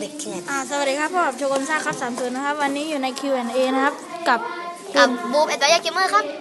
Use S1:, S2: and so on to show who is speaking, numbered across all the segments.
S1: เด็กแค่
S2: สวัสดีครับพบกับโชกุนซ่าครับ30นะครับวันนี้อยู่ใน Q&A นะครับกับ
S3: บูมแอนด์ยาเกมเมอร์ครับ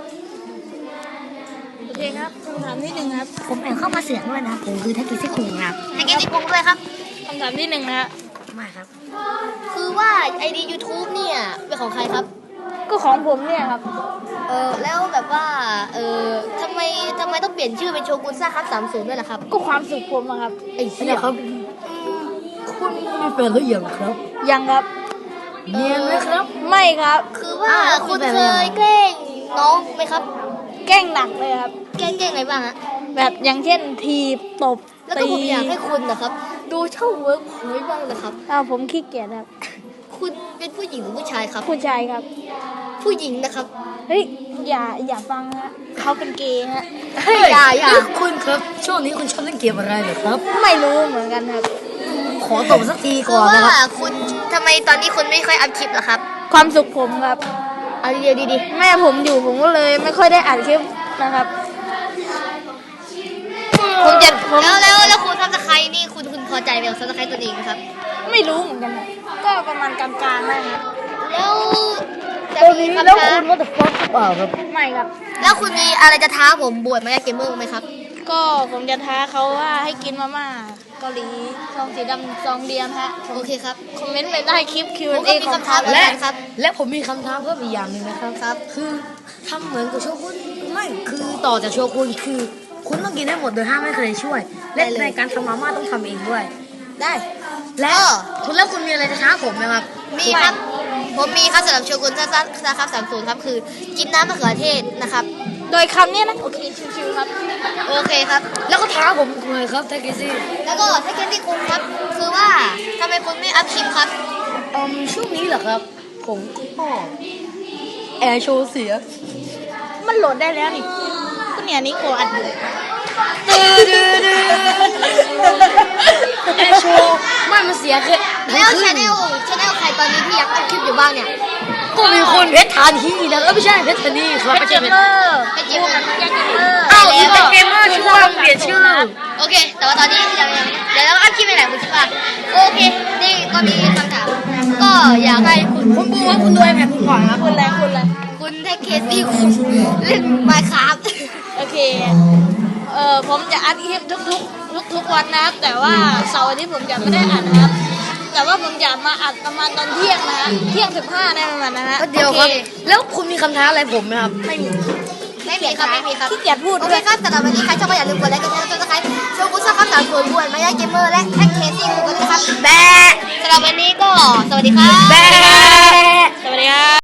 S2: โอเคครับคำถามที่1ครับ
S1: ผมแอบเข้ามาเสียงด้วยนะผมคือทักกี้ซี่คุงครับ
S3: ให้เกมที่ปุ้งด้วยครับ
S2: คำถามที่1นะครับ
S1: ไม่ครับ
S3: คือว่าไอดี YouTube เนี่ยเป็นของใครครับ
S2: ก็ของผมเนี่ยครับ
S3: แล้วแบบว่าทำไมต้องเปลี่ยนชื่อเป็นโชกุนซ่าครับ30ด้วยล่ะครับ
S2: ก็ความสุขผมอะครับ
S3: ไอ้เสีย
S1: ครับคุณมีแฟนหรือยังครับ
S2: ยังครับ
S1: เนียนไหมครับ
S2: ไม่ครับ
S3: คือว่าคุณเคยแกล้งน้องไหมครับ
S2: แกล้งหนักเลยครับ
S3: แกล้งอะไรบ้างฮะ
S2: แบบอย่างเช่นทีบตบ
S3: แล้วก็
S2: ตี
S3: ผมอยากให้คุณนะครับดูช่องเวิร์กพอยต์บ้างนะครับ
S2: ผมขี้เกียจครับ
S3: คุณเป็นผู้หญิงหรือผู้ชายครับ
S2: ผู้ชายครับ
S3: ผู้หญิงนะครับ
S2: เฮ้ยอย่าฟังฮะเขาเป็นเกย์ฮะ
S3: อย่า
S1: คุณครับช่วงนี้คุณชอบเล่นเกมอะไรเหรอครับ
S2: ไม่รู้เหมือนกันครับ
S1: ขอตบสักที
S3: คื
S1: ก่
S3: อ
S1: อน
S3: ว่า
S1: นะครับ
S3: คุณทำไมตอนนี้คุณไม่ค่อยอัพคลิปเหรอครับ
S2: ความสุขผมครับ
S3: เอาดี
S2: แม่ผมอยู่ผมก็เลยไม่ค่อยได้อ่านคลิปนะครับ
S3: ผมจะแล้วคุณซับสไครต์นี่คุณพอใจกับซับสไครต์ตัวเองไหมครับ
S2: ไม่รู้เหมือนกันนะก็ประมาณกลางๆนะครับ
S3: แล้วจะ
S1: ตอน
S3: มี
S1: นี้
S3: คำ
S1: แล้ว
S3: ท้า
S1: คุณว่าจะฟ้องหรือเปล่าครับ
S2: ไม่ครับ
S3: แล้วคุณมีอะไรจะท้าผมบวชมายาเกมเมอร์ไหมครับ
S2: ก็ผมจะท้าเขาว่าให้กินมาม่าเกาหลีซองสีดำซองเดียวฮะ
S3: โอเคครับ
S2: คอมเมนต์ไปได้คลิป
S3: ผมก็
S2: Q&A
S3: มี
S2: ของ
S3: คำถาม
S2: เขา
S3: เหมือน
S1: และ
S3: กันครับ
S1: และผมมีคำถามเพิ่มอีกอย่างหนึ่งนะครับ
S3: ครับ
S1: คือทำเหมือนกับโชกุนไม่คือต่อจากโชกุนคือ คุณต้องกินให้หมดโดยห้ามไม่เคยช่วย และ
S3: ได้เลย
S1: ในการทำมาม่าต้องทำเองด้วย
S3: ได้
S1: และคุณมีอะไรจะท้าผมไหมครับ
S3: มีครับ ผมมีครับสำหรับโชกุนซ่าครับ30ครับคือกินน้ำมะเขือเทศนะครับ
S2: โดยคำเนี้ยนะโอเคชิวๆครับ
S3: โอเคครับ
S1: แล้วก็ท้าผมเลยครับทักกี้ซี่
S3: แล้วก็ถ้าเกมที่คุณครับ คือว่าทำไมคุณไม่อัพคลิปครับ
S1: ช่วงนี้เหรอครับ ผมก็แอร์โชว์เสีย
S2: มันโหลดได้แล้วนี่ก็เนี่ยนี่โกอัดอยู่
S1: แอร์โชว์ไม่มันเสียคือ
S3: แล้วชาแนลใครตอนนี้ที่ยังอัพคลิปอยู่บ้างเนี่ย
S1: ก็มีคนเพชรทานที่นะไม่ใช่เพชรทานี่ครับ
S2: เป็นเกมเมอร์
S3: เป็นเกมเมอร์
S2: เป็นเกมเมอร์
S1: อ้าวนี่เป็นเกมเมอร์ชื่อว่าเปลี่ยนชื่อ
S3: โอเค แต่ว่าตอนนี้ยังเดี๋ยวเราอัพคลิปไปไหนคุณคิดว่าโอเค นี่ก็มีคำถาม ก็อยากให้คุณ
S1: คุณบูว่าคุณดูไอแพดคุณก่อนครับ
S2: คุณแรงคุณแรง
S3: คุณให้เคสที่คุณเล่นไมค์ครับ
S2: โอเคผมจะอัดคลิปทุกวันนะครับแต่ว่าเสาร์อาทิตย์ผมจะไม่ได้อัดนะครับ แต่ว่าผมจะมาอัดประมาณตอนเที่ยงนะฮะเที่ยง15ในประมาณนะฮะ
S1: ก็เดียวครับ
S3: โอเค
S1: แล้วคุณมีคำท้าอะไรผมไหมครับ
S2: ไม่มี
S3: ไม่มีครับ ไม่มีครับ
S2: ขี้เกียจพูด
S3: โอ
S2: ด้
S3: เค
S2: วย
S3: ครับสำหรับวันนี้ใครชอบก็อย่าลืมกดไลค์กดแชร์กดซับสไครต์โชว์กุซ่าครับ30บวชมายาเกมเมอร์และแท็กเคสซี่คุณกันด้วยครับ
S1: แบะ
S3: สำหรับวันนี้ก็สวัสดีครับ
S1: แบะ
S2: สวัสดีครับ